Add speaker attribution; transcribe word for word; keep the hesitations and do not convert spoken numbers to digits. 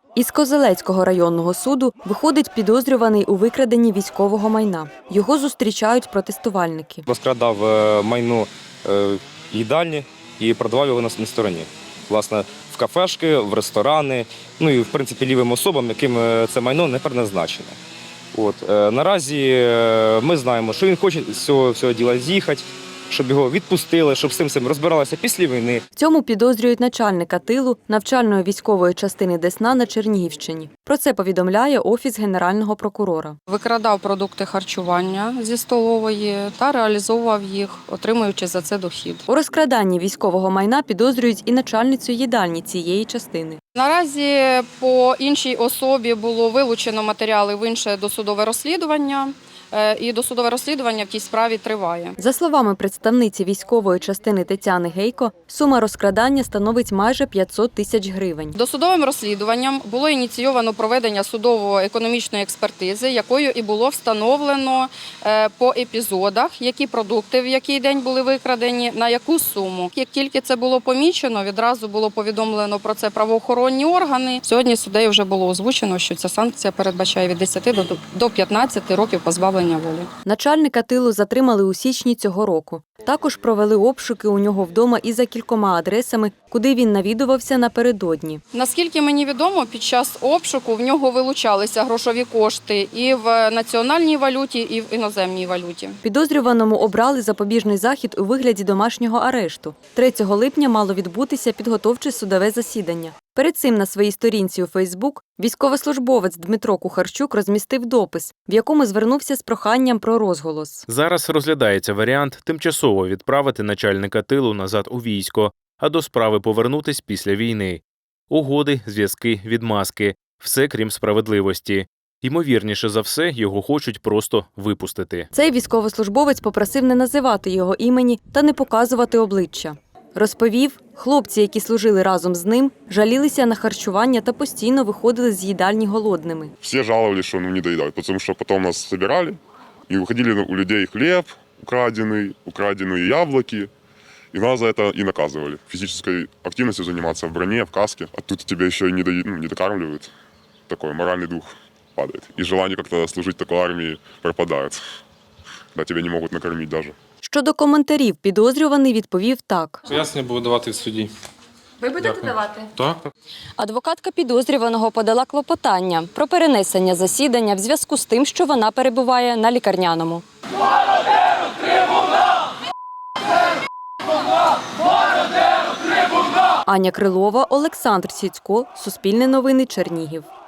Speaker 1: Із Козелецького районного суду виходить підозрюваний у викраденні військового майна. Його зустрічають протестувальники.
Speaker 2: Розкрадав майно їдальні і продавав його на стороні. Власне, в кафешки, в ресторани, ну і, в принципі, лівим особам, яким це майно не предназначене. От. Наразі ми знаємо, що він хоче з цього, цього діла з'їхати, щоб його відпустили, щоб з цим цим розбиралися після війни.
Speaker 1: В цьому підозрюють начальника тилу навчальної військової частини Десна на Чернігівщині. Про це повідомляє Офіс Генерального прокурора.
Speaker 3: Викрадав продукти харчування зі столової та реалізовував їх, отримуючи за це дохід.
Speaker 1: У розкраданні військового майна підозрюють і начальницю їдальні цієї частини.
Speaker 3: Наразі по іншій особі було вилучено матеріали в інше досудове розслідування. І досудове розслідування в тій справі триває.
Speaker 1: За словами представниці військової частини Тетяни Гейко, сума розкрадання становить майже п'ятсот тисяч гривень.
Speaker 3: Досудовим розслідуванням було ініційовано проведення судово-економічної експертизи, якою і було встановлено по епізодах, які продукти в який день були викрадені, на яку суму. Як тільки це було помічено, відразу було повідомлено про це правоохоронні органи. Сьогодні суддею вже було озвучено, що ця санкція передбачає від десяти до п'ятнадцяти років позбавлення волі.
Speaker 1: Начальника тилу затримали у січні цього року. Також провели обшуки у нього вдома і за кількома адресами, куди він навідувався напередодні.
Speaker 3: Наскільки мені відомо, під час обшуку в нього вилучалися грошові кошти і в національній валюті, і в іноземній валюті.
Speaker 1: Підозрюваному обрали запобіжний захід у вигляді домашнього арешту. третього липня мало відбутися підготовче судове засідання. Перед цим на своїй сторінці у Фейсбук військовослужбовець Дмитро Кухарчук розмістив допис, в якому звернувся з проханням про розголос.
Speaker 4: Зараз розглядається варіант тимчасово відправити начальника тилу назад у військо, а до справи повернутись після війни. Угоди, зв'язки, відмазки – все крім справедливості. Ймовірніше за все, його хочуть просто випустити.
Speaker 1: Цей військовослужбовець попросив не називати його імені та не показувати обличчя. Розповів, хлопці, які служили разом з ним, жалілися на харчування та постійно виходили з їдальні голодними.
Speaker 5: Всі жалувалися, що не доїдають, тому що потім нас збирали і виходили у людей хліб украдений, украдені яблуки, і нас за це і наказували. Фізичною активністю займатися в броні, в касці, а тут тебе ще й не, до... ну, не докармливають. Такой моральний дух падає. І бажання як-то служити такій армії пропадає. Да, тебе не можуть накормити навіть.
Speaker 1: Щодо коментарів, підозрюваний відповів так.
Speaker 6: Пояснення буду давати в суді.
Speaker 1: Ви будете
Speaker 6: Дякую.
Speaker 1: давати?
Speaker 6: Так.
Speaker 1: Адвокатка підозрюваного подала клопотання про перенесення засідання в зв'язку з тим, що вона перебуває на лікарняному. Аня Крилова, Олександр Сіцько, Суспільне новини, Чернігів.